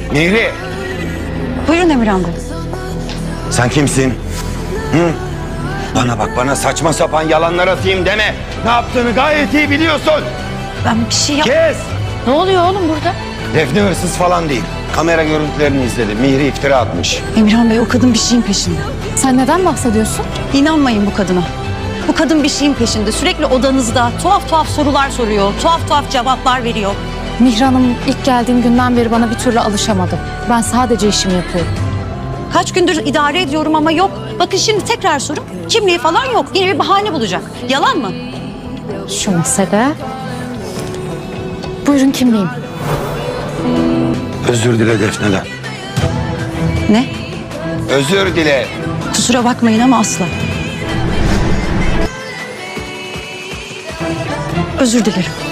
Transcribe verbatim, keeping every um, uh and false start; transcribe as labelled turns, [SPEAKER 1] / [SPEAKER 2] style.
[SPEAKER 1] Mihri,
[SPEAKER 2] Buyurun Emirhan Bey.
[SPEAKER 1] sen kimsin? Hı? Bana bak, bana saçma sapan yalanlar atayım deme. Ne yaptığını gayet iyi biliyorsun.
[SPEAKER 2] Ben bir şey yap...
[SPEAKER 1] Kes!
[SPEAKER 3] Ne oluyor oğlum burada?
[SPEAKER 1] Defne hırsız falan değil. Kamera görüntülerini izledim. Mihri iftira atmış.
[SPEAKER 2] Emirhan Bey, o kadın bir şeyin peşinde.
[SPEAKER 3] Sen neden bahsediyorsun?
[SPEAKER 2] İnanmayın bu kadına. Bu kadın bir şeyin peşinde. Sürekli odanızda tuhaf tuhaf sorular soruyor. Tuhaf tuhaf cevaplar veriyor.
[SPEAKER 3] Mihran'ım ilk geldiğim günden beri bana bir türlü alışamadı. Ben sadece işimi yapıyorum.
[SPEAKER 2] Kaç gündür idare ediyorum ama yok. Bakın şimdi tekrar sorun. Kimliği falan yok. Yine bir bahane bulacak. Yalan mı?
[SPEAKER 3] Şu mesele... Buyurun kimliğim.
[SPEAKER 1] Özür dile Defne'den.
[SPEAKER 2] Ne?
[SPEAKER 1] Özür dile.
[SPEAKER 2] Kusura bakmayın ama asla. Özür dilerim.